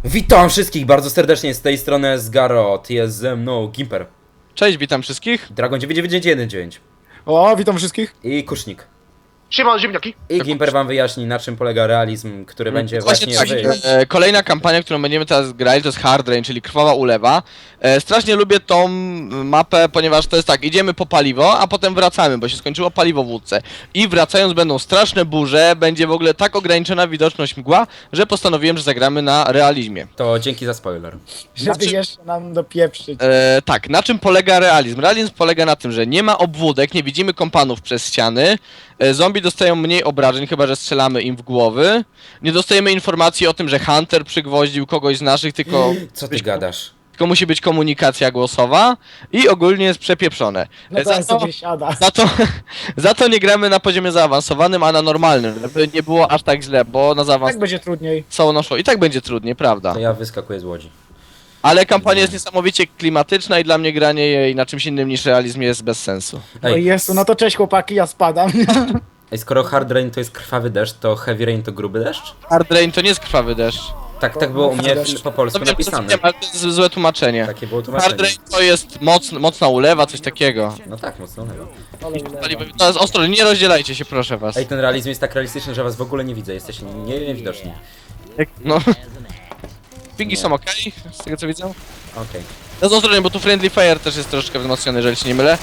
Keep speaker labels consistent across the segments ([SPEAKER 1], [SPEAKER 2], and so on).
[SPEAKER 1] Witam wszystkich bardzo serdecznie z tej strony Zgarot, jest ze mną Gimper,
[SPEAKER 2] Cześć, witam wszystkich.
[SPEAKER 1] Dragon 9919
[SPEAKER 3] O, witam wszystkich.
[SPEAKER 1] i Kusznik.
[SPEAKER 4] Siema, ziemniaki!
[SPEAKER 1] I Gimper wam wyjaśni, na czym polega realizm, który będzie właśnie
[SPEAKER 2] tak, kolejna kampania, którą będziemy teraz grali, to jest Hard Rain, czyli krwawa ulewa. Strasznie lubię tą mapę, ponieważ to jest tak, idziemy po paliwo, a potem wracamy, bo się skończyło paliwo w łódce. I wracając będą straszne burze, będzie w ogóle tak ograniczona widoczność mgła, że postanowiłem, że zagramy na realizmie.
[SPEAKER 1] To dzięki za spoiler.
[SPEAKER 3] Żeby jeszcze nam dopieprzyć.
[SPEAKER 2] Tak, na czym polega realizm? Realizm polega na tym, że nie ma obwódek, nie widzimy kompanów przez ściany, zombie dostają mniej obrażeń, chyba że strzelamy im w głowy, nie dostajemy informacji o tym, że Hunter przygwoździł kogoś z naszych, tylko
[SPEAKER 1] Co ty gadasz?
[SPEAKER 2] musi być komunikacja głosowa i ogólnie jest przepieprzone.
[SPEAKER 3] No
[SPEAKER 2] za,
[SPEAKER 3] to
[SPEAKER 2] to,
[SPEAKER 3] sobie siada.
[SPEAKER 2] za to nie gramy na poziomie zaawansowanym, a na normalnym, żeby nie było aż tak źle, bo na
[SPEAKER 3] Tak
[SPEAKER 2] zaawansowanym
[SPEAKER 3] będzie trudniej.
[SPEAKER 2] całą noszą i tak będzie trudniej, prawda?
[SPEAKER 1] To ja wyskakuję z łodzi.
[SPEAKER 2] Ale kampania jest niesamowicie klimatyczna i dla mnie granie jej na czymś innym niż realizm jest bez sensu.
[SPEAKER 3] O
[SPEAKER 1] Ej,
[SPEAKER 3] Jezu, no to cześć chłopaki, ja spadam.
[SPEAKER 1] skoro Hard Rain to jest krwawy deszcz, to Heavy Rain to gruby deszcz?
[SPEAKER 2] Hard Rain to nie jest krwawy deszcz.
[SPEAKER 1] Tak było u mnie po polsku
[SPEAKER 2] No wiem,
[SPEAKER 1] napisane.
[SPEAKER 2] ale to jest złe tłumaczenie.
[SPEAKER 1] Takie było
[SPEAKER 2] Hard
[SPEAKER 1] tłumaczenie.
[SPEAKER 2] Rain to jest mocna ulewa, coś takiego.
[SPEAKER 1] No tak, mocno lewo.
[SPEAKER 2] To jest ostro, nie rozdzielajcie się, proszę was.
[SPEAKER 1] Ej, ten realizm jest tak realistyczny, że was w ogóle nie widzę, jesteście niewidoczni.
[SPEAKER 2] No. Pingi są ok, z tego co widzę.
[SPEAKER 1] Okej.
[SPEAKER 2] To jest ostrożnie, bo tu Friendly Fire też jest troszeczkę wzmocniony, jeżeli się nie mylę.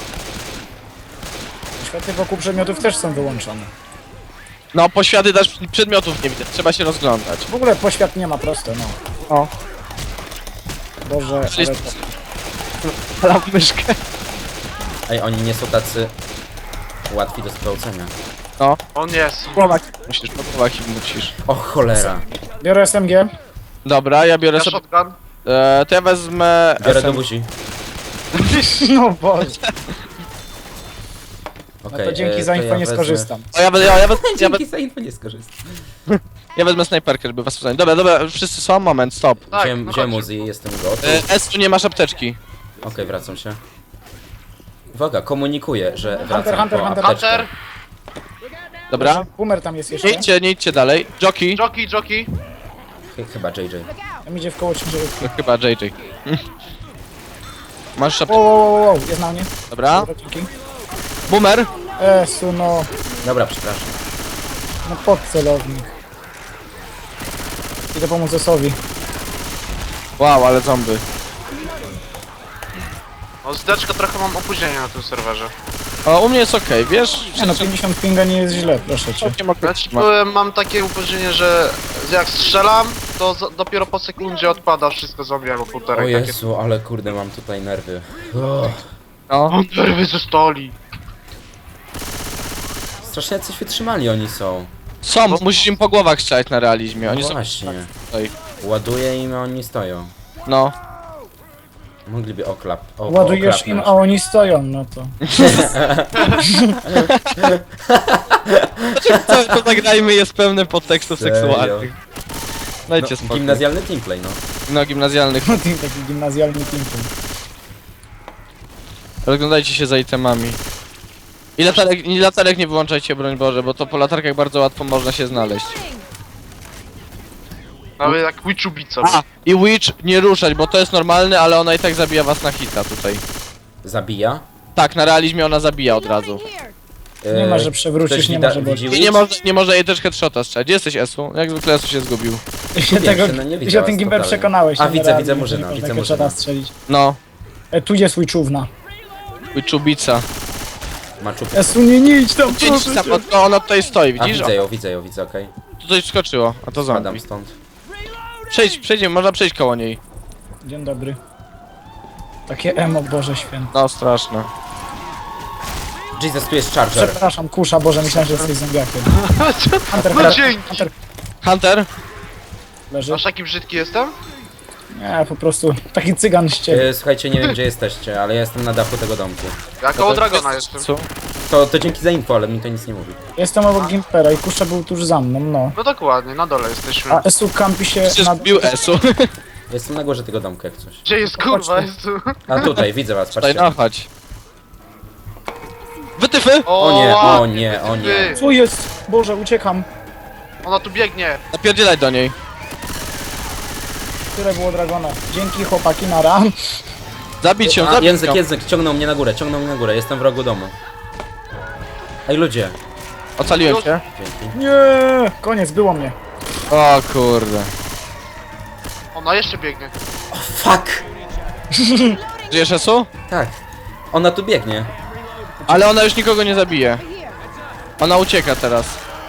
[SPEAKER 3] Światy wokół przedmiotów też są wyłączone.
[SPEAKER 2] No, poświaty też przedmiotów nie widać, trzeba się rozglądać.
[SPEAKER 3] W ogóle poświat nie ma proste, no.
[SPEAKER 2] O.
[SPEAKER 3] Boże,
[SPEAKER 2] Czyli
[SPEAKER 3] ale to...
[SPEAKER 2] Lam myszkę.
[SPEAKER 1] Ej, oni nie są tacy łatwi do sprawdzenia.
[SPEAKER 2] No,
[SPEAKER 4] On jest.
[SPEAKER 2] po głowach im musisz.
[SPEAKER 1] O cholera.
[SPEAKER 3] Biorę SMG.
[SPEAKER 2] Dobra, ja biorę
[SPEAKER 4] Ja
[SPEAKER 2] sobie...
[SPEAKER 4] shotgun.
[SPEAKER 2] to ja wezmę...
[SPEAKER 1] Biorę
[SPEAKER 2] SM.
[SPEAKER 1] do buzi.
[SPEAKER 3] No Boże, no
[SPEAKER 1] Okej,
[SPEAKER 3] to dzięki za
[SPEAKER 1] to
[SPEAKER 3] info
[SPEAKER 1] ja
[SPEAKER 3] nie
[SPEAKER 1] wezmę-
[SPEAKER 3] skorzystam.
[SPEAKER 2] O, ja wezmę...
[SPEAKER 1] Dzięki za info nie skorzystam.
[SPEAKER 2] Ja wezmę snajperkę, żeby was poznać. Dobra, wszyscy są? Moment, stop.
[SPEAKER 4] Tak,
[SPEAKER 1] Gdzie
[SPEAKER 4] no chodźcie.
[SPEAKER 1] muzy, jestem gotów.
[SPEAKER 2] S tu nie masz apteczki.
[SPEAKER 1] Okej, wracam się. Uwaga, komunikuję, że wracam
[SPEAKER 3] Hunter,
[SPEAKER 1] po
[SPEAKER 3] Hunter.
[SPEAKER 1] apteczkę.
[SPEAKER 4] Hunter,
[SPEAKER 2] Dobra.
[SPEAKER 3] Boomer tam jest jeszcze.
[SPEAKER 2] Nie idźcie dalej. Jockey.
[SPEAKER 4] jockey.
[SPEAKER 1] Chyba JJ.
[SPEAKER 3] Tam idzie w koło ciężarówki.
[SPEAKER 2] To chyba JJ. Masz
[SPEAKER 3] Wow,
[SPEAKER 2] apteczkę.
[SPEAKER 3] wow, wow, jest na mnie.
[SPEAKER 2] Dobra.
[SPEAKER 3] Dobra, dzięki.
[SPEAKER 2] Boomer.
[SPEAKER 3] Esu, no.
[SPEAKER 1] Dobra, przepraszam.
[SPEAKER 3] No podcelownik. Idę pomóc Esowi.
[SPEAKER 2] Wow, ale zombie.
[SPEAKER 4] No zdeczka trochę mam opóźnienie na tym serwerze.
[SPEAKER 2] O, u mnie jest okej, wiesz?
[SPEAKER 3] Nie no, 50 pinga nie jest źle, proszę cię.
[SPEAKER 2] Całkiem okej.
[SPEAKER 4] Ja ci powiem, mam takie opóźnienie, że jak strzelam, to dopiero po sekundzie odpada wszystko zombie albo
[SPEAKER 1] O
[SPEAKER 4] półtorej. Takie...
[SPEAKER 1] Jezu, ale kurde, mam tutaj nerwy.
[SPEAKER 2] No.
[SPEAKER 4] Nerwy ze stoli.
[SPEAKER 1] Strasznie jacyś wytrzymali oni są.
[SPEAKER 2] Są, musisz im po głowach strzelać na realizmie. Oni
[SPEAKER 1] No
[SPEAKER 2] są
[SPEAKER 1] właśnie.
[SPEAKER 2] tutaj.
[SPEAKER 1] Ładuję im, a oni stoją.
[SPEAKER 2] No.
[SPEAKER 1] Mogliby
[SPEAKER 3] Ładujesz im, a oni stoją, no to.
[SPEAKER 2] To zagrajmy jest pełne podtekstów
[SPEAKER 1] Serio?
[SPEAKER 2] seksualnych. Dajcie spokój.
[SPEAKER 1] Gimnazjalny teamplay, no.
[SPEAKER 2] No, gimnazjalnych.
[SPEAKER 3] No team, taki gimnazjalny team.
[SPEAKER 2] Rozglądajcie się za itemami. I latarek nie wyłączajcie, broń Boże, bo to po latarkach bardzo łatwo można się znaleźć.
[SPEAKER 4] Nawet jak Witchubica.
[SPEAKER 2] A, i Witch nie ruszać, bo to jest normalne, ale ona i tak zabija was na hita tutaj.
[SPEAKER 1] Zabija.
[SPEAKER 2] Tak, na realizmie ona zabija od razu.
[SPEAKER 3] Nie ma, że przewrócisz,
[SPEAKER 1] Ktoś
[SPEAKER 3] nie ma, że
[SPEAKER 1] widzi
[SPEAKER 2] I
[SPEAKER 1] Witch?
[SPEAKER 2] nie może jej też headshota strzać. Gdzie jesteś, Esu? Jak zwykle Esu się zgubił.
[SPEAKER 3] Ty się tego,
[SPEAKER 1] no nie
[SPEAKER 3] ty się
[SPEAKER 1] widziała
[SPEAKER 3] o tym
[SPEAKER 1] z
[SPEAKER 3] Gimper
[SPEAKER 1] totalnie.
[SPEAKER 3] przekonałeś.
[SPEAKER 1] A,
[SPEAKER 3] nie
[SPEAKER 1] widzę,
[SPEAKER 3] realnie,
[SPEAKER 1] widzę
[SPEAKER 3] że
[SPEAKER 1] Murzyna,
[SPEAKER 3] nie można
[SPEAKER 1] widzę
[SPEAKER 3] headshota
[SPEAKER 1] Murzyna.
[SPEAKER 3] strzelić.
[SPEAKER 2] No,
[SPEAKER 3] Tu jest Witchówna.
[SPEAKER 2] Witchubica.
[SPEAKER 1] Maczup.
[SPEAKER 3] Esu, nie idź tam, proszę cię.
[SPEAKER 2] Ona tutaj stoi,
[SPEAKER 1] A,
[SPEAKER 2] widzisz?
[SPEAKER 1] widzę ją, okej.
[SPEAKER 2] Tutaj skoczyło, a to
[SPEAKER 1] Spadam
[SPEAKER 2] zombie.
[SPEAKER 1] stąd.
[SPEAKER 2] Przejdziemy, można przejść koło niej.
[SPEAKER 3] Dzień dobry. Takie emo, Boże święty.
[SPEAKER 2] No, straszne.
[SPEAKER 1] Jesus, tu jest Charger.
[SPEAKER 3] Przepraszam, kusza, Boże, myślałem, że jesteś zombiakiem. Hunter,
[SPEAKER 4] No dzięki.
[SPEAKER 3] Hunter
[SPEAKER 2] Hunter?
[SPEAKER 3] leży.
[SPEAKER 4] Aż taki brzydki jestem?
[SPEAKER 3] Nie, po prostu taki cygan z ciebie.
[SPEAKER 1] Słuchajcie, nie wiem gdzie jesteście, ale ja jestem na dachu tego domku.
[SPEAKER 4] Ja koło Dragona jestem.
[SPEAKER 2] Co?
[SPEAKER 1] To dzięki za info, ale mi to nic nie mówi.
[SPEAKER 3] Jestem obok Gimpera i kusza był tuż za mną, no.
[SPEAKER 4] No dokładnie, na dole jesteśmy.
[SPEAKER 3] A Esu kampi się
[SPEAKER 2] Się
[SPEAKER 3] na...
[SPEAKER 2] zgubił Esu.
[SPEAKER 1] Jestem na górze tego domku jak coś.
[SPEAKER 4] Gdzie jest kurwa?
[SPEAKER 3] Chodź
[SPEAKER 4] Jest...
[SPEAKER 1] A tutaj, widzę was,
[SPEAKER 2] Tutaj,
[SPEAKER 1] patrzcie.
[SPEAKER 2] no chodź. Wytyfy!
[SPEAKER 1] O nie,
[SPEAKER 4] ładnie,
[SPEAKER 1] o nie, o nie.
[SPEAKER 4] ty.
[SPEAKER 3] Co jest? Boże, uciekam.
[SPEAKER 4] Ona tu biegnie.
[SPEAKER 2] Napierdzielaj do niej.
[SPEAKER 3] Tyle było dragona. Dzięki chłopaki, na ram.
[SPEAKER 2] Zabić ją,
[SPEAKER 1] A,
[SPEAKER 2] zabić
[SPEAKER 1] język,
[SPEAKER 2] ją.
[SPEAKER 1] język, ciągnął mnie na górę, jestem w rogu domu. Ej ludzie.
[SPEAKER 2] Ocaliłem się.
[SPEAKER 1] Dzięki.
[SPEAKER 3] Nie, koniec, było mnie.
[SPEAKER 2] O kurde.
[SPEAKER 4] Ona jeszcze biegnie.
[SPEAKER 1] Fuck!
[SPEAKER 2] Żyjesz, Esu?
[SPEAKER 1] Tak. Ona tu biegnie.
[SPEAKER 2] Ale ona już nikogo nie zabije. Ona ucieka teraz.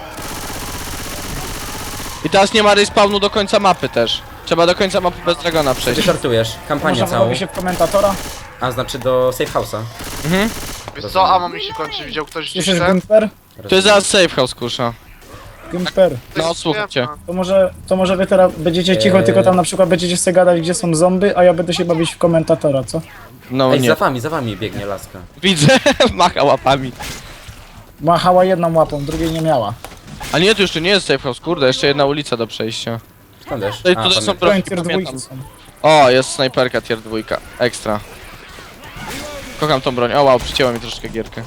[SPEAKER 2] I teraz nie ma respawnu do końca mapy też. Trzeba do końca mapy bez dragona przejść.
[SPEAKER 1] Ty żartujesz. Kampanię
[SPEAKER 3] Można
[SPEAKER 1] całą.
[SPEAKER 3] wyrobić się w komentatora.
[SPEAKER 1] A znaczy do safe house'a.
[SPEAKER 2] Mhm.
[SPEAKER 4] Wiesz co, ammo mi się kończy, widział ktoś gdzieś
[SPEAKER 3] Słyszysz,
[SPEAKER 4] ten?
[SPEAKER 3] Gimper?
[SPEAKER 2] To jest zaraz safe house, kusza.
[SPEAKER 3] Gimper.
[SPEAKER 2] No, słuchajcie.
[SPEAKER 3] To może wy teraz będziecie cicho, tylko tam na przykład będziecie sobie gadać, gdzie są zombie, a ja będę się bawić w komentatora, co?
[SPEAKER 2] No
[SPEAKER 1] Ej,
[SPEAKER 2] nie.
[SPEAKER 1] za wami biegnie laska.
[SPEAKER 2] Widzę, macha łapami.
[SPEAKER 3] Machała jedną łapą, drugiej nie miała.
[SPEAKER 2] A nie, to jeszcze nie jest safe house, kurde, jeszcze jedna ulica do przejścia.
[SPEAKER 1] Skąd wiesz?
[SPEAKER 2] Tutaj,
[SPEAKER 1] A,
[SPEAKER 2] tutaj są
[SPEAKER 1] pamiętam.
[SPEAKER 2] brońki,
[SPEAKER 3] Tier
[SPEAKER 2] pamiętam.
[SPEAKER 3] 2 są.
[SPEAKER 2] O, jest snajperka tier 2, ekstra. Kocham tą broń, o wow, przycięła mi troszkę gierkę.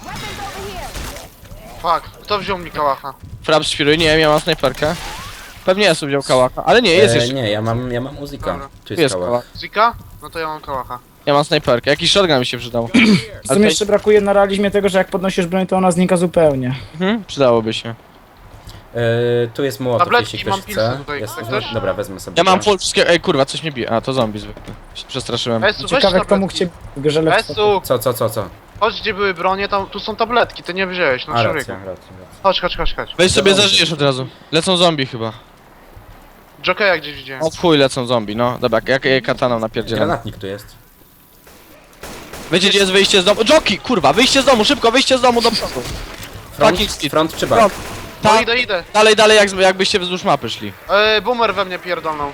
[SPEAKER 4] Fuck, kto wziął mi kałacha?
[SPEAKER 2] Fraps świruj, nie wiem, ja mam snajperkę. Pewnie Esu wziął kałacha, ale nie, jest jeszcze.
[SPEAKER 1] Nie, ja mam muzyka.
[SPEAKER 4] Dobra.
[SPEAKER 1] Tu
[SPEAKER 2] Tu jest kałach.
[SPEAKER 4] Zika? No to ja mam kałacha.
[SPEAKER 2] Ja mam snajperkę, jakiś shotgun mi się przydał.
[SPEAKER 3] W sumie jeszcze brakuje na realizmie tego, że jak podnosisz broń, to ona znika zupełnie.
[SPEAKER 2] Mhm, przydałoby się.
[SPEAKER 1] Tu jest mołotow,
[SPEAKER 4] Tabletki
[SPEAKER 1] jeśli
[SPEAKER 4] mam
[SPEAKER 1] ktoś
[SPEAKER 4] pilsy
[SPEAKER 1] chce.
[SPEAKER 4] tutaj,
[SPEAKER 1] Jest,
[SPEAKER 4] chcesz też?
[SPEAKER 1] dobra, wezmę sobie.
[SPEAKER 2] Ja mam
[SPEAKER 1] to.
[SPEAKER 2] full wszystkie. Ej kurwa, coś mnie bije. A to zombie zwykle. Się przestraszyłem.
[SPEAKER 4] Esu, weź
[SPEAKER 3] Ciekawe, kto mógł
[SPEAKER 4] tabletki.
[SPEAKER 3] cię w grze lepszy.
[SPEAKER 4] Esu,
[SPEAKER 1] Co?
[SPEAKER 4] chodź gdzie były bronie, tam, tu są tabletki, ty nie wziąłeś, no
[SPEAKER 1] A,
[SPEAKER 4] człowieku.
[SPEAKER 1] racja.
[SPEAKER 4] Chodź.
[SPEAKER 2] Weź sobie
[SPEAKER 1] Dobra,
[SPEAKER 2] zażyjesz od razu. Lecą zombie chyba.
[SPEAKER 4] Jokeja gdzieś widziałem.
[SPEAKER 2] O w chuj lecą zombie, no. Dobra, jak jej kataną napierdzielam.
[SPEAKER 1] Granatnik tu jest.
[SPEAKER 2] Wiecie gdzie jest wyjście z domu? Joki, kurwa, wyjście z domu, szybko, wyjście z domu do przodu.
[SPEAKER 1] Front,
[SPEAKER 2] Fucking speed.
[SPEAKER 1] front czy back?
[SPEAKER 2] Front.
[SPEAKER 4] No
[SPEAKER 2] Tak,
[SPEAKER 4] idę.
[SPEAKER 2] dalej, jakbyście wzdłuż mapy szli.
[SPEAKER 4] Boomer we mnie pierdolnął.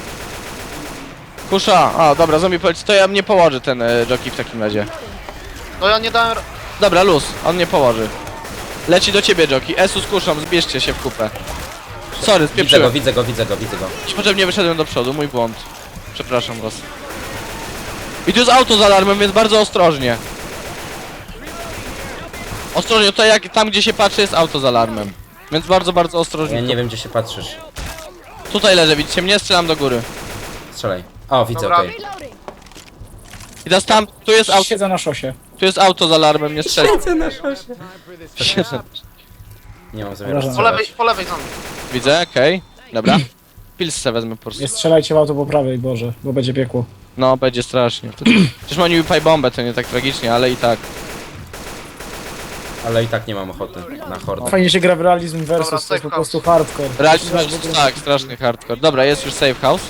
[SPEAKER 2] Kusza, a dobra, zombie poleci, to ja mnie położy ten joki w takim razie.
[SPEAKER 4] No ja nie dałem...
[SPEAKER 2] Dobra, luz, on mnie położy. Leci do ciebie joki, Esu z kuszą, zbierzcie się w kupę. Sorry, spieprzyłem.
[SPEAKER 1] Widzę go.
[SPEAKER 2] Niepotrzebnie wyszedłem do przodu, mój błąd. Przepraszam was. I tu jest auto z alarmem, więc bardzo ostrożnie. Ostrożnie, tutaj jak tam gdzie się patrzy jest auto z alarmem. Więc bardzo ostrożnie.
[SPEAKER 1] Ja nie wiem, gdzie się patrzysz.
[SPEAKER 2] Tutaj leżę, widzicie mnie? Strzelam do góry.
[SPEAKER 1] Strzelaj. O, widzę,
[SPEAKER 4] Dobra.
[SPEAKER 1] okej.
[SPEAKER 2] I teraz tam,
[SPEAKER 3] Siedzę na szosie.
[SPEAKER 2] tu jest auto z alarmem, nie strzelaj.
[SPEAKER 1] Nie mam zamiaru
[SPEAKER 3] Dobra.
[SPEAKER 1] strzelać.
[SPEAKER 4] Po lewej zombie.
[SPEAKER 2] Widzę, okej. Dobra. Pilsce wezmę po prostu.
[SPEAKER 3] Nie strzelajcie w auto po prawej, Boże, bo będzie piekło.
[SPEAKER 2] No, będzie strasznie. Przecież oni mi bombę, to nie tak tragicznie, ale i tak.
[SPEAKER 1] Ale i tak nie mam ochoty na hordę.
[SPEAKER 3] Fajnie się gra w realizm versus, to
[SPEAKER 4] safe
[SPEAKER 3] jest po
[SPEAKER 4] house.
[SPEAKER 3] prostu hardcore.
[SPEAKER 2] Realizm
[SPEAKER 3] Grać w
[SPEAKER 2] versus,
[SPEAKER 3] ogóle-
[SPEAKER 2] tak, straszny hardcore. Dobra, jest już safe house.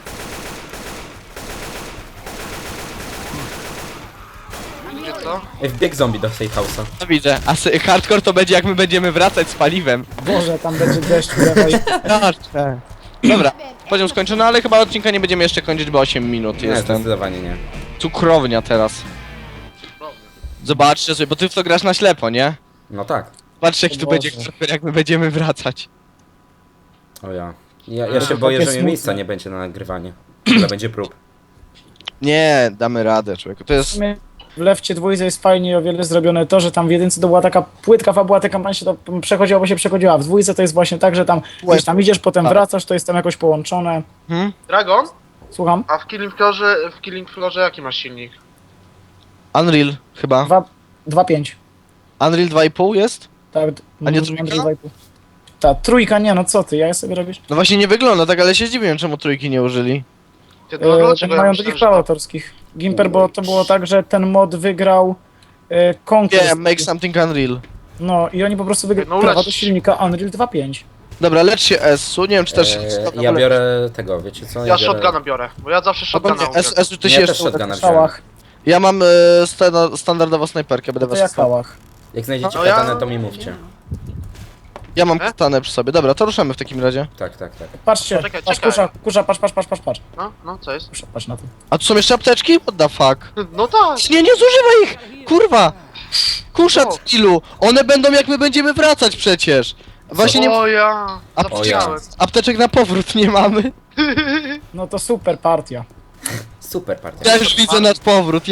[SPEAKER 4] Wiecie co?
[SPEAKER 1] Ej, wbieg zombie do safe house'a.
[SPEAKER 2] No widzę, a hardcore to będzie jak my będziemy wracać z paliwem.
[SPEAKER 3] Boże, tam będzie deszcz, lewa i...
[SPEAKER 2] Dobra, poziom skończony, ale chyba odcinka nie będziemy jeszcze kończyć, bo 8 minut
[SPEAKER 1] Nie,
[SPEAKER 2] jest ten.
[SPEAKER 1] zdecydowanie nie.
[SPEAKER 2] Cukrownia teraz. Zobaczcie sobie, bo ty w to grasz na ślepo, nie?
[SPEAKER 1] No tak.
[SPEAKER 2] Patrzcie jak
[SPEAKER 3] O
[SPEAKER 2] tu będzie
[SPEAKER 3] Boże.
[SPEAKER 2] super, jak my będziemy wracać.
[SPEAKER 1] O ja. Ja się boję,
[SPEAKER 3] Takie
[SPEAKER 1] że mi
[SPEAKER 3] smutne.
[SPEAKER 1] miejsca nie będzie na nagrywanie. Tyle będzie prób.
[SPEAKER 2] Nie, damy radę, człowieku. To
[SPEAKER 3] W
[SPEAKER 2] jest...
[SPEAKER 3] sumie w Lewcie dwójce jest fajnie i o wiele zrobione to, że tam w jedynce to była taka płytka fabuła, ta kampania się to przechodziła, bo się przechodziła. W dwójce to jest właśnie tak, że tam gdzieś tam idziesz, potem wracasz, to jest tam jakoś połączone.
[SPEAKER 2] Hmm?
[SPEAKER 4] Dragon?
[SPEAKER 3] Słucham?
[SPEAKER 4] A w Killing Floorze jaki masz silnik?
[SPEAKER 2] Unreal, chyba.
[SPEAKER 3] 2.5.
[SPEAKER 2] Unreal 2,5 jest?
[SPEAKER 3] Tak.
[SPEAKER 2] A nie
[SPEAKER 3] Andrzej
[SPEAKER 2] trójka?
[SPEAKER 3] 2,5. Ta trójka nie, no co ty, ja sobie robisz?
[SPEAKER 2] No właśnie nie wygląda tak, ale się zdziwiłem, czemu trójki nie użyli.
[SPEAKER 4] Ty, no dlaczego ja
[SPEAKER 3] Mają
[SPEAKER 4] myślałem,
[SPEAKER 3] takich
[SPEAKER 4] że
[SPEAKER 3] praw
[SPEAKER 4] tak?
[SPEAKER 3] autorskich. Gimper, bo to było tak, że ten mod wygrał konkurs.
[SPEAKER 2] Nie, make something Unreal.
[SPEAKER 3] No i oni po prostu wygrali
[SPEAKER 4] No
[SPEAKER 3] prawa
[SPEAKER 4] lecz.
[SPEAKER 3] do silnika Unreal 2.5.
[SPEAKER 2] Dobra, lecz się S-u, nie wiem czy też...
[SPEAKER 1] Ja biorę tego, wiecie co?
[SPEAKER 4] Ja
[SPEAKER 1] biorę...
[SPEAKER 4] shotguna biorę, bo ja zawsze shotguna
[SPEAKER 2] Albo nie,
[SPEAKER 4] używam.
[SPEAKER 2] S-u ty
[SPEAKER 1] Nie,
[SPEAKER 2] się
[SPEAKER 1] też
[SPEAKER 2] jeszcze...
[SPEAKER 1] shotguna
[SPEAKER 3] W
[SPEAKER 1] wziąłem.
[SPEAKER 3] szałach.
[SPEAKER 2] Ja mam standardową snajperkę, będę
[SPEAKER 3] To
[SPEAKER 2] was
[SPEAKER 3] ja
[SPEAKER 2] osłaniał.
[SPEAKER 3] kałach.
[SPEAKER 1] Jak znajdziecie
[SPEAKER 4] No ja-
[SPEAKER 1] katanę, to mi mówcie.
[SPEAKER 2] Ja mam katanę przy sobie. Dobra, to ruszamy w takim razie.
[SPEAKER 1] Tak.
[SPEAKER 3] Patrzcie,
[SPEAKER 4] Czekaj,
[SPEAKER 3] patrz,
[SPEAKER 4] czekaj.
[SPEAKER 3] kusza, patrz.
[SPEAKER 4] No, co jest?
[SPEAKER 3] Kusza, patrz na to.
[SPEAKER 2] A tu są jeszcze apteczki? What the fuck?
[SPEAKER 4] No tak!
[SPEAKER 2] Nie zużywaj ich! Kurwa! Kusza
[SPEAKER 4] O.
[SPEAKER 2] ilu! One będą jak my będziemy wracać przecież! Właśnie nie...
[SPEAKER 4] O ja!
[SPEAKER 2] A
[SPEAKER 4] Zapomniałem.
[SPEAKER 2] Apteczek na powrót nie mamy.
[SPEAKER 3] No to super partia.
[SPEAKER 1] Super partia.
[SPEAKER 2] Ja już widzę nasz powrót,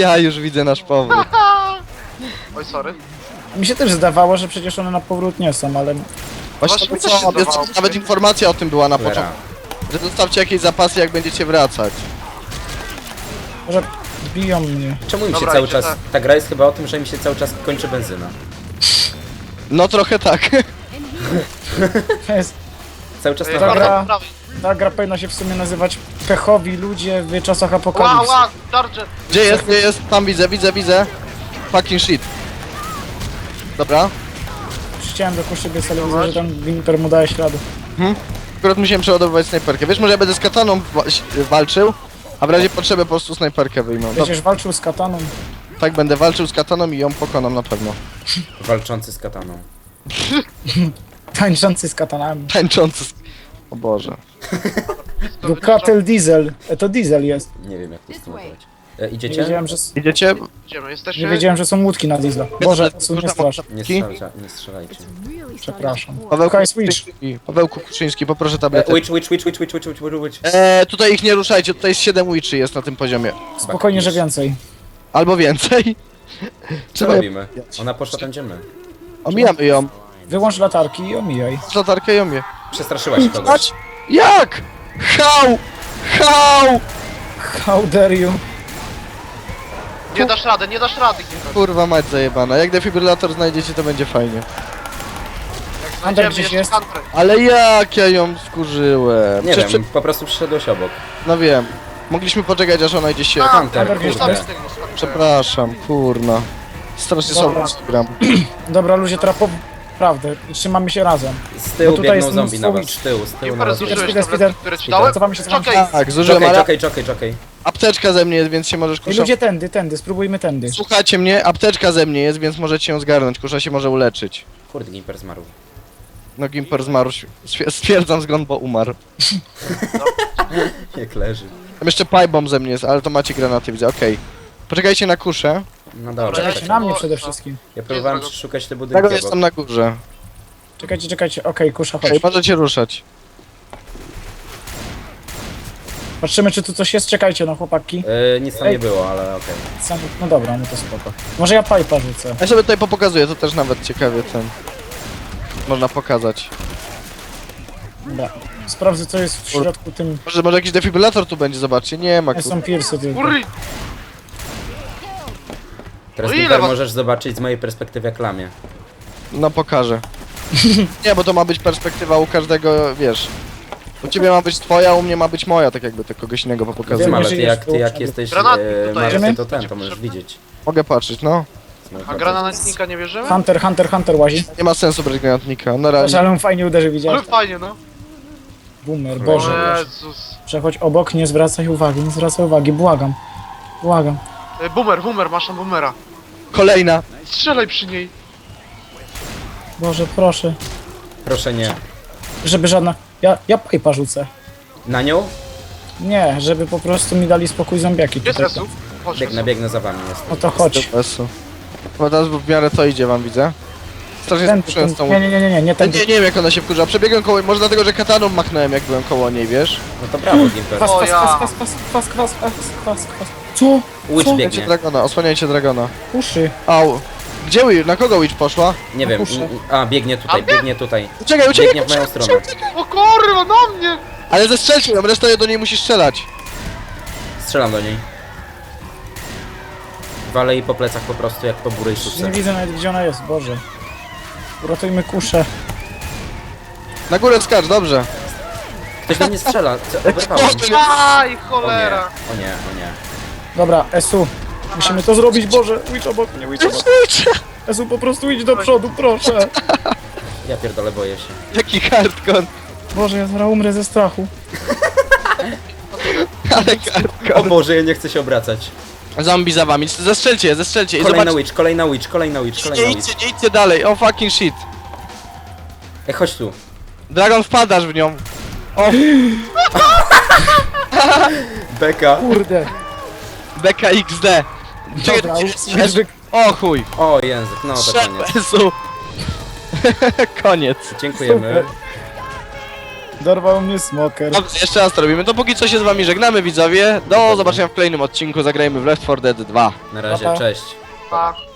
[SPEAKER 4] Oj, sorry.
[SPEAKER 3] Mi się też zdawało, że przecież one na powrót nie są, ale...
[SPEAKER 2] Właśnie
[SPEAKER 4] mi
[SPEAKER 2] co,
[SPEAKER 4] też się
[SPEAKER 2] jest,
[SPEAKER 4] zdawało.
[SPEAKER 2] nawet informacja o tym była na
[SPEAKER 1] Cholera.
[SPEAKER 2] początku. Że zostawcie jakieś zapasy, jak będziecie wracać.
[SPEAKER 3] Może biją mnie.
[SPEAKER 1] Czemu im się
[SPEAKER 4] Dobra,
[SPEAKER 1] cały
[SPEAKER 4] idzie
[SPEAKER 1] czas...
[SPEAKER 4] tak.
[SPEAKER 1] Ta gra jest chyba o tym, że im się cały czas kończy benzyna.
[SPEAKER 2] No trochę tak.
[SPEAKER 3] To jest,
[SPEAKER 1] Cały czas
[SPEAKER 4] Ej,
[SPEAKER 1] na
[SPEAKER 3] Ta
[SPEAKER 4] Horda
[SPEAKER 3] gra-
[SPEAKER 4] po prawej.
[SPEAKER 3] ta gra powinna się w sumie nazywać Pechowi ludzie w czasach
[SPEAKER 4] Ła,
[SPEAKER 3] apokalipsy.
[SPEAKER 4] ła, charger.
[SPEAKER 2] Gdzie jest? Gdzie jest? Tam widzę. Fucking shit. Dobra.
[SPEAKER 3] Chciałem do kuszy biec, ale widzę, że tam Wimper mu daje ślady.
[SPEAKER 2] Akurat musiałem przeładowywać snajperkę. Wiesz, może ja będę z kataną walczył, a w razie potrzeby po prostu snajperkę wyjmę. Dobra,
[SPEAKER 3] Będziesz walczył z kataną.
[SPEAKER 2] tak będę walczył z kataną i ją pokonam na pewno.
[SPEAKER 1] walczący z kataną.
[SPEAKER 3] Tańczący z katanami.
[SPEAKER 2] Tańczący. O Boże.
[SPEAKER 3] Ducatel Diesel. To Diesel jest.
[SPEAKER 1] Nie wiem jak to skomentować.
[SPEAKER 3] Nie
[SPEAKER 1] Idziecie?
[SPEAKER 3] wiedziałem, że,
[SPEAKER 2] Idziecie?
[SPEAKER 4] Idziemy, jesteśmy...
[SPEAKER 3] nie wiedziałem, że są łódki na Diesla. Boże, Esu, nie strasz.
[SPEAKER 1] Nie strzelajcie.
[SPEAKER 3] Przepraszam.
[SPEAKER 2] Pawełku
[SPEAKER 3] Słuchaj, Switch.
[SPEAKER 2] Kuczyński, Pawełku Kuczyński, poproszę tabletę.
[SPEAKER 1] Witch.
[SPEAKER 2] Tutaj ich nie ruszajcie, tutaj jest 7 witchy jest na tym poziomie.
[SPEAKER 3] Spokojnie, że więcej.
[SPEAKER 2] Albo więcej.
[SPEAKER 1] Co
[SPEAKER 2] Trzeba-
[SPEAKER 1] robimy? Ona poszła tam, gdzie my.
[SPEAKER 2] Omijamy ją.
[SPEAKER 3] Wyłącz latarki i omijaj.
[SPEAKER 2] Z latarkę ją je.
[SPEAKER 1] Przestraszyła się kogoś.
[SPEAKER 2] Chodź! Jak? How? How?
[SPEAKER 3] How dare you?
[SPEAKER 4] Nie dasz rady, nie dasz rady, Gimper.
[SPEAKER 2] Kurwa mać zajebana. Jak defibrylator znajdziecie, to będzie fajnie.
[SPEAKER 3] Hunter
[SPEAKER 4] Znajdziemy
[SPEAKER 3] gdzieś
[SPEAKER 4] jeszcze
[SPEAKER 3] jest?
[SPEAKER 4] Hunter.
[SPEAKER 2] Ale jak ja ją skurzyłem?
[SPEAKER 1] Nie
[SPEAKER 2] Przecież
[SPEAKER 1] wiem, po prostu przyszedłeś obok.
[SPEAKER 2] No wiem. Mogliśmy poczekać, aż ona gdzieś się...
[SPEAKER 1] Hunter,
[SPEAKER 3] Hunter,
[SPEAKER 4] Już tam
[SPEAKER 1] kurde.
[SPEAKER 4] z tego, z Huntera.
[SPEAKER 2] Przepraszam, kurna. Strasznie
[SPEAKER 3] Dobra.
[SPEAKER 2] słabo gram.
[SPEAKER 3] Dobra, ludzie, teraz prawdę. Trzymamy się razem.
[SPEAKER 1] Z tyłu
[SPEAKER 3] Bo tutaj
[SPEAKER 1] biegną
[SPEAKER 3] jest
[SPEAKER 1] zombie na
[SPEAKER 3] mnóstwo
[SPEAKER 1] was. Z tyłu na
[SPEAKER 4] Gimper,
[SPEAKER 1] was.
[SPEAKER 4] zużyłeś
[SPEAKER 3] Speeder,
[SPEAKER 4] tabletki, które ci
[SPEAKER 1] Speeder.
[SPEAKER 4] dałem?
[SPEAKER 3] Cofamy się, cofamy się.
[SPEAKER 4] Czekaj,
[SPEAKER 2] Tak, zużyłem, ale
[SPEAKER 1] Czekaj.
[SPEAKER 2] apteczka ze mnie jest, więc się możesz
[SPEAKER 3] Ej,
[SPEAKER 2] kusza...
[SPEAKER 3] ludzie, tędy, spróbujmy tędy.
[SPEAKER 2] Słuchajcie mnie, apteczka ze mnie jest, więc możecie ją zgarnąć. Kusza się może uleczyć.
[SPEAKER 1] Kurde, Gimper zmarł.
[SPEAKER 2] No Gimper zmarł. Stwierdzam zgon, bo umarł.
[SPEAKER 1] Jak leży.
[SPEAKER 2] Tam jeszcze piebomb ze mnie jest, ale to macie granaty, widzę, okej. Poczekajcie na kuszę.
[SPEAKER 1] No dobra,
[SPEAKER 4] Czekajcie
[SPEAKER 3] Czekajcie
[SPEAKER 1] czekaj.
[SPEAKER 3] na mnie przede wszystkim.
[SPEAKER 1] Ja próbowałem
[SPEAKER 4] Jest
[SPEAKER 1] przeszukać te budynki
[SPEAKER 2] Tego
[SPEAKER 1] obok.
[SPEAKER 2] jestem na górze.
[SPEAKER 3] Czekajcie. Okej, kusza, chodź.
[SPEAKER 2] Okej, możecie ruszać.
[SPEAKER 3] Patrzymy, czy tu coś jest. Czekajcie, no chłopaki.
[SPEAKER 1] Nic tam nie było, ale okej.
[SPEAKER 3] No dobra, no to spoko. Może ja pipa rzucę.
[SPEAKER 2] Ja sobie tutaj popokazuję, to też nawet ciekawie ten... Można pokazać.
[SPEAKER 3] Dobra. Sprawdzę, co jest w środku tym.
[SPEAKER 2] Może jakiś defibrylator tu będzie, zobaczcie. Nie ma,
[SPEAKER 3] Nie
[SPEAKER 2] kurwa.
[SPEAKER 3] są piersy tylko.
[SPEAKER 4] Kurry,
[SPEAKER 1] Teraz
[SPEAKER 4] No ile
[SPEAKER 1] Gimper
[SPEAKER 4] was-
[SPEAKER 1] możesz zobaczyć z mojej perspektywy jak lamię.
[SPEAKER 2] No pokażę. Nie, bo to ma być perspektywa u każdego, wiesz. U ciebie ma być twoja, u mnie ma być moja, tak jakby to kogoś innego
[SPEAKER 3] Wiem,
[SPEAKER 1] Wiem,
[SPEAKER 2] pokazuje.
[SPEAKER 1] ale
[SPEAKER 3] że
[SPEAKER 1] ty
[SPEAKER 3] jest
[SPEAKER 1] jak
[SPEAKER 3] tu.
[SPEAKER 1] jesteś
[SPEAKER 4] Granatnik tutaj
[SPEAKER 1] martwy,
[SPEAKER 3] jest.
[SPEAKER 1] to ten, to możesz widzieć.
[SPEAKER 2] Mogę patrzeć, no.
[SPEAKER 4] a granatnika nie bierzemy?
[SPEAKER 3] Hunter łazi.
[SPEAKER 2] Nie ma sensu brać granatnika, na
[SPEAKER 3] Też,
[SPEAKER 2] razie.
[SPEAKER 3] ale on fajnie uderzy,
[SPEAKER 4] Ale
[SPEAKER 3] widziałeś?
[SPEAKER 4] fajnie, no.
[SPEAKER 3] Boomer,
[SPEAKER 4] O
[SPEAKER 3] Boże.
[SPEAKER 4] Jezus.
[SPEAKER 3] Przechodź obok, nie zwracaj uwagi, błagam. Błagam.
[SPEAKER 4] Boomer, masz tam boomera.
[SPEAKER 2] Kolejna.
[SPEAKER 4] Strzelaj przy niej.
[SPEAKER 3] Boże, proszę.
[SPEAKER 1] Proszę nie.
[SPEAKER 3] Żeby żadna... Ja pipa rzucę.
[SPEAKER 1] Na nią?
[SPEAKER 3] Nie, żeby po prostu mi dali spokój zombiaki
[SPEAKER 4] Jest
[SPEAKER 3] tutaj.
[SPEAKER 4] Esu. Chodź,
[SPEAKER 1] Biegnę za wami
[SPEAKER 3] No
[SPEAKER 1] jestem.
[SPEAKER 3] to chodź.
[SPEAKER 2] Besu. Chyba teraz w miarę to idzie wam, widzę. Strasznie skurzyłem z tą...
[SPEAKER 3] Nie,
[SPEAKER 2] Nie
[SPEAKER 3] tędy.
[SPEAKER 2] wiem jak ona się wkurza. Przebiegłem koło... Może dlatego, że kataną machnąłem jak byłem koło niej, wiesz?
[SPEAKER 1] No to brawo Gimper.
[SPEAKER 3] Kwas. Co?
[SPEAKER 1] Witch
[SPEAKER 3] Co?
[SPEAKER 1] biegnie.
[SPEAKER 2] Osłaniajcie Dragona.
[SPEAKER 3] Uszy.
[SPEAKER 2] Au. Gdzie Witch? Na kogo Witch poszła?
[SPEAKER 1] Nie wiem.
[SPEAKER 3] Proszę.
[SPEAKER 1] Biegnie tutaj.
[SPEAKER 2] Uciekaj,
[SPEAKER 1] Biegnie w moją stronę.
[SPEAKER 4] O kurwa, na mnie!
[SPEAKER 2] Ale zestrzelcie ją, resztę do niej musisz strzelać.
[SPEAKER 1] Strzelam do niej. Walę jej po plecach po prostu jak po burej
[SPEAKER 3] Nie
[SPEAKER 1] suce.
[SPEAKER 3] widzę nawet gdzie ona jest, Boże. Uratujmy kuszę.
[SPEAKER 2] Na górę skacz, dobrze.
[SPEAKER 1] Ktoś do mnie strzela. Oberwałem.
[SPEAKER 4] Aj,
[SPEAKER 1] O nie,
[SPEAKER 4] cholera.
[SPEAKER 1] o nie.
[SPEAKER 3] Dobra, Esu. Musimy to zrobić, Boże. Witch obok mnie, Witch obok. Esu, po prostu idź do przodu, proszę.
[SPEAKER 1] Ja pierdolę, boję się.
[SPEAKER 2] Jaki hardcore.
[SPEAKER 3] Boże, ja zaraz umrę ze strachu.
[SPEAKER 2] Ale
[SPEAKER 1] O
[SPEAKER 2] hardcore.
[SPEAKER 1] Boże, ja nie chcę się obracać.
[SPEAKER 2] Zombie za wami, zestrzelcie i
[SPEAKER 1] Kolejna witch.
[SPEAKER 2] Nie idźcie dalej, o fucking shit.
[SPEAKER 1] Ej, chodź tu.
[SPEAKER 2] Dragon, wpadasz w nią. O,
[SPEAKER 1] Beka.
[SPEAKER 3] Kurde.
[SPEAKER 2] Beka XD.
[SPEAKER 3] Dobra,
[SPEAKER 2] Czekaj, o chuj.
[SPEAKER 1] O, język, no to koniec.
[SPEAKER 2] Strzesu. Koniec.
[SPEAKER 1] Dziękujemy.
[SPEAKER 3] Dorwał mnie smoker.
[SPEAKER 2] Dobrze, jeszcze raz to robimy. To póki co się z wami żegnamy, widzowie. Do zobaczenia w kolejnym odcinku. Zagrajmy w Left 4 Dead 2.
[SPEAKER 1] Na razie,
[SPEAKER 3] Pa, pa.
[SPEAKER 1] cześć.
[SPEAKER 4] Pa.